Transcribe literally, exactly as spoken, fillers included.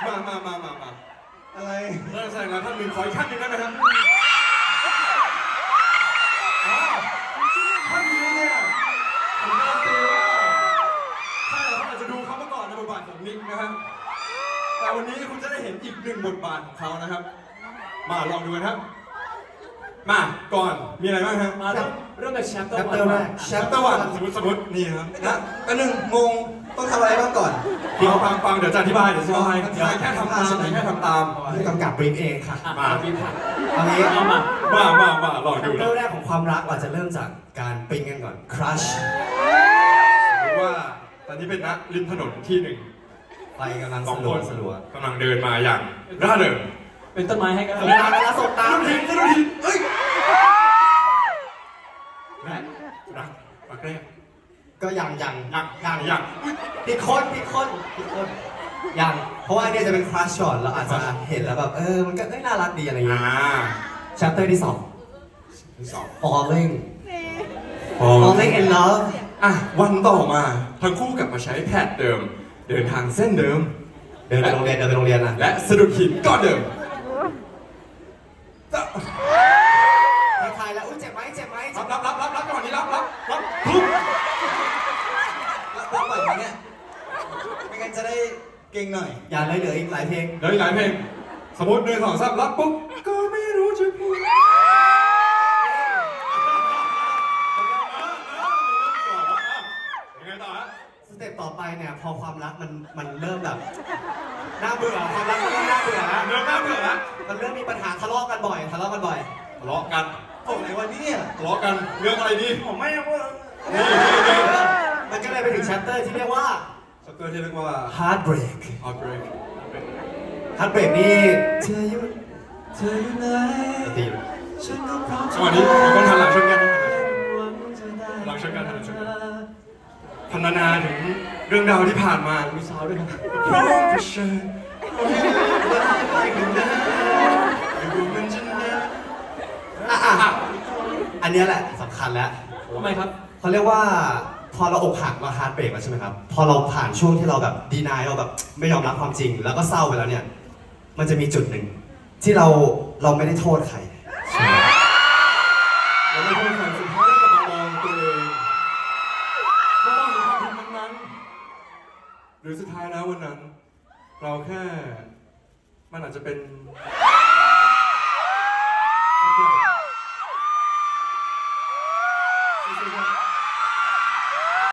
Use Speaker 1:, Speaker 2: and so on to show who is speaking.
Speaker 1: มามามามามา
Speaker 2: อะไร
Speaker 1: เริ่มแสดงแล้วท่านหนึ่งขออีกขั้นหนึ่งได้ไหมครับอ้าวท่านนี้เนี่ยผมการันตีว่าใช่เขาอาจจะดูเขามาก่อนในบทบาทของนิกนะครับแต่วันนี้คุณจะได้เห็นอีกหนึ่งบทบาทของเขานะครับมาลองดูกันครับมาก่อนมีอะไรบ้างครับ
Speaker 3: มาเริ่มเริ่มจากแชปเตอร์
Speaker 2: Chapter
Speaker 3: วัน
Speaker 2: แรก
Speaker 1: แชปเตอร์วันสมมติสมมตินี่ครับ
Speaker 2: นะอันหนึ่งงงต้องทำอะไรบ้างก่อน
Speaker 1: ฟังฟังฟังเดี๋ยวจะอธิบายเดี๋ยวจะอธิบายเดี๋ยวแค่ทำตามเดี๋ยวแค่ทำตาม
Speaker 2: ผู้กำกับบรีฟเองค่ะ
Speaker 3: มาปีผ่าน
Speaker 2: เอางี้
Speaker 3: เอามา
Speaker 1: มามามาลองดู
Speaker 2: เริ่
Speaker 1: นะ
Speaker 2: มแรกของความรักเราจะเริ่มจากการปิ๊งกันก่อน crush
Speaker 1: สมมติว่าตอนนี้เป็นนะริมถนนที่หนึ่ง
Speaker 2: ไปกำลัง
Speaker 1: ส
Speaker 2: ส
Speaker 1: อง
Speaker 2: ลั
Speaker 1: ค
Speaker 2: วน สลัว
Speaker 1: กำลังเดินมาอย่างร่าเริง
Speaker 3: เป็นต้นไม้ให้กัน
Speaker 2: สบตาไปแล้วสบตา
Speaker 1: สะดุดหินสะดุดหินเอ้ยและรักรักแรก
Speaker 2: ก็ยังยัง
Speaker 1: ยังยังยังอุ๊ย
Speaker 2: ผิดคนผิดคนผิดคนยังเพราะว่าอันเนี้ยจะเป็น crush ก่อนเราอาจจะเห็นแล้วแบบเออมันก็เอ้ยน่ารักดีอะไรอย่าง
Speaker 1: อ่า
Speaker 2: เงี้ย chapter ที่สอง
Speaker 1: ที่สอง
Speaker 2: falling
Speaker 1: พอ
Speaker 2: falling in love
Speaker 1: อ่ะวันต่อมาทั้งคู่กลับมาใช้แพทเดิม เดินทางเส้นเดิม
Speaker 2: เดินไปโรงเรียนเดินไปโรงเรียนอ่ะ
Speaker 1: และสะดุดหินก้อนเดิม
Speaker 2: ทายแล้วอุ้ยเจ็บไหมเจ็บไหม
Speaker 1: รับรับรับรับรับจังหวะนี้รับรับรับปุ๊บ
Speaker 2: รับรับบ่อยไหมเนี่ยไม่งั้นจะได้เก่งหน่อย อย่าเลยเหลืออีกหลายเพลง
Speaker 1: เดี๋ยวอีกหลายเพลงสมมติหนึ่งสองสามรับปุ๊บก็ไม่รู้จะพูดยังไงต่อฮะ
Speaker 2: สเต็ปต่อไปเนี่ยพอความรักมันมันเริ่มแบบน่าเบื่อความรักมันเริ่มน่าเบื่อแล้ว
Speaker 1: เริ่มน่าเบื่อแล้ว
Speaker 2: มันเริ่มมีปัญหาทะเลาะกันบ่อยทะเลาะกันบ่อย
Speaker 1: ทะเลาะกัน
Speaker 2: โอ้ไหนวันนี้เนี่ย
Speaker 1: ทะเลาะกันเรื่องอะไรดี
Speaker 2: ผมไม่รู้ว่า
Speaker 1: นี่นี่นี่
Speaker 2: มันก็เลยไปถึง chapter ที่เรียกว่า
Speaker 1: ชัปเตอร์ที่เรียกว่า
Speaker 2: heartbreak
Speaker 1: heartbreak
Speaker 2: heartbreak นี่เธออยู่เธออยู่ไหนตี
Speaker 1: จังหวะนี้เราต้องหันหลังชนกันหลังชนกันหันหลังชนกันพรรณนาถึงเรื่องราวที่ผ่านมา
Speaker 3: มีซาวด้วยนะ
Speaker 1: เพราะเผชิญไปกันนะไม่รู้มันจะนาน
Speaker 2: อ่ะอ่ะอันเนี้ยแหละสำคัญแล้ว
Speaker 3: ทำไมครับ
Speaker 2: เขาเรียกว่าพอเราอกหักเราฮาร์ดเบรกแล้วใช่ไหมครับ พอเราผ่านช่วงที่เราแบบดีนายเราแบบไม่ยอมรับความจริง แล้วก็เศร้าไปแล้วเนี่ย มันจะมีจุดหนึ่งที่เราเราไม่ได้โทษใครใช่ไหม
Speaker 1: เราไม่พูดความสุดท้ายกลับมามองตัวเองไม่ต้องมีความผิดนั้นๆหรือสุดท้ายแล้ววันนั้น เราแค่ มันอาจจะเป็น